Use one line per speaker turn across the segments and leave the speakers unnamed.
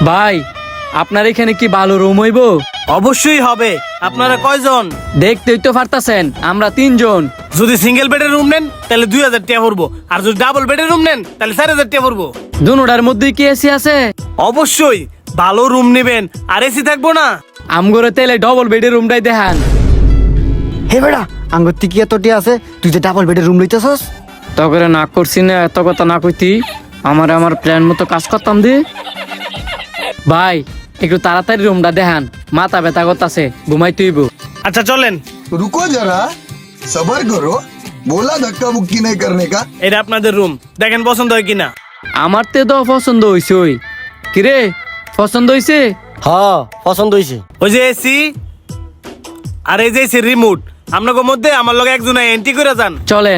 ভাই আপনার এখানে কি ভালো রুম হইব?
অবশ্যই হবে। আপনারা কয়জন?
দেখতেই তো পারতাছেন আমরা 3 জন।
যদি সিঙ্গেল বেডের রুম নেন তাহলে 2000 টাকা পড়বো, আর যদি ডাবল বেডের রুম নেন তাহলে 4000 টাকা পড়বো।
দুনোটার মধ্যে কি এসি আছে?
অবশ্যই ভালো রুম নেবেন, আর এসি থাকবো না।
আমগরে তেলে ডবল বেডের রুমটাই দেখান।
হে বেড়া আঙ্গুর কি এতটি আছে, তুই যে ডাবল বেডের রুম লইতেছস?
তখন না করছি না, এত কথা না কইতি আমার প্ল্যান মতো কাজ করতাম দি। ভাই একটু তাড়াতাড়ি রুমটা দেখান, মাথা ব্যথা করতাছে, ঘুমাই তুইব।
আচ্ছা চলেন।
रुको जरा सबर करो, बोला धक्का मुक्की नहीं करने का।
এটা আপনাদের রুম, দেখেন পছন্দ হয় কিনা।
আমার তো পছন্দ হইছে। ওই কিরে পছন্দ হইছে?
হ্যাঁ পছন্দ হয়েছে।
ওই যে এসি আর এই যে এসি রিমোট, আপনাকে মধ্যে আমার লগে একজন এন্ট্রি করে যান।
চলেন।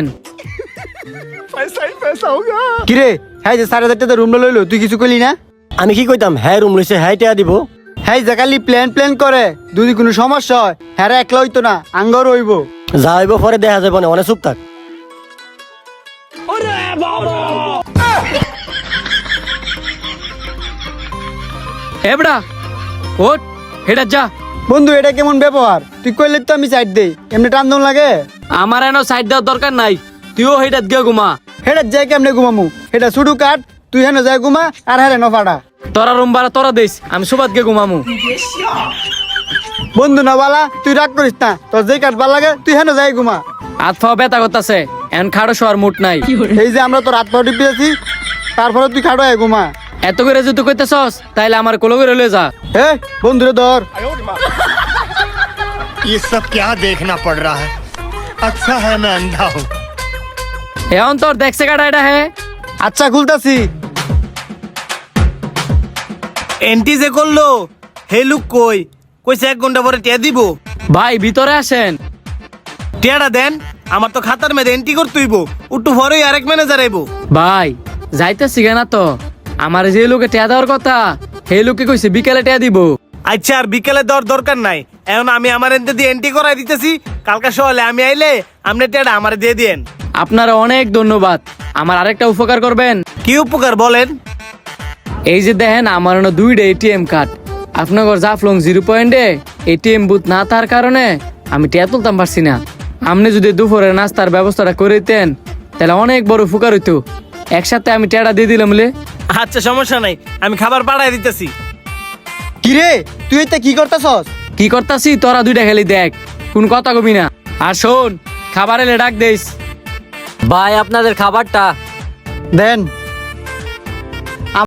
কিরে হ্যাঁ যে 4000 টাকা রুম লইলো, তুই কিছু কইলি না?
আমি কি কইতাম, হ্যাঁ রুম লইছে, হ্যাঁ টাকা দিব।
হ্যাঁ যে খালি প্ল্যান করে, যদি কোনো সমস্যা হয় হ্যাঁ একলা হইতো না, আঙ্গর হইব।
যা হইব পরে দেখা যাবে না, অনেক চুপ থাক।
এবড়া ওঠ, হেটা যা।
বন্ধু এটা কেমন ব্যবহার? তুই কইলে তো আমি সাইড দেই, এমনি টান লাগে।
আমার এনো সাইড দেওয়ার দরকার নাই, তুইও হেটা গিয়ে ঘুমা।
হেটা যাই কেমনে ঘুমামু? এটা শুধু কাট, তুই হেন যাই ঘুমা আর হ্যাঁ নফাটা।
তোরা রুম ভাড়া তোরা দিস, আমি সুবাদ গিয়ে ঘুমামু।
বন্ধু না বালা, তুই রাগ করিস না, তোর যেই কাট ভাল লাগে তুই হেন যাই ঘুমা।
হাত পাওয়া ব্যথা করতেছে, এন খাড়ো শোয়ার মুড নাই।
এই যে আমরা তোর হাত পা টিপিয়েছি, তারপরে তুই খাটো আয় ঘুমা।
এত করে যদি কইতেছস তাইলে আমার কোলো করে লয়ে যা।
হে বন্ধুরে ধর।
ये सब क्या देखना पड़ रहा है? अच्छा है मैं अंधा हूँ।
এখন তোর দেখছে কাটা এটা হে।
আচ্ছা খুলতাছি।
এন্ট্রি যে করলো হে লুক কই কইছে 1 ঘন্টা পরে টিয়া দিব।
ভাই ভিতরে আসেন।
টিয়াটা দেন, আমার তো খাতার মধ্যে এন্ট্রি করতে হইব, একটু পরেই আরেক ম্যানেজার আইব।
ভাই যাইতেছি না তো, আমার যে লোকে টেয়া দেওয়ার কথা সেই লোকে কইছে বিকেলে টেয়া দিব।
আচ্ছা আর বিকেলে দেওয়ার দরকার নাই, এখন আমি আমার এন্ট্রি দিয়ে এন্ট্রি করাই দিতেছি, কালকে সকালে আমি আইলে আপনি টিয়াটা আমার দিয়ে দিয়েন।
আপনারা অনেক ধন্যবাদ। আমার আরেকটা উপকার করবেন।
কি উপকার বলেন?
এই যে দেখেন আমার 2টা এটিএম কার্ড, আপনার জাফলং 0 পয়েন্টে এটিএম বুথ না থাকার কারণে আমি টেয়া তুলতাম পারছি না। আপনি যদি দুপুরে নাস্তার ব্যবস্থাটা করে দিতেন তাহলে অনেক বড় উপকার হইতো। একসাথে আমি টেয়াটা দিয়ে দিলাম বলে।
আচ্ছা সমস্যা নাই, আমি খাবার পাঠাই দিতেছি।
কিরে তুই এটা কি করতেছস?
কি করতাছি তোরা 2টা খেলি দেখ, কোন কথা কবি না। আর শোন, খাবার এলে ডাক দিস।
ভাই আপনাদের খাবারটা
দেন।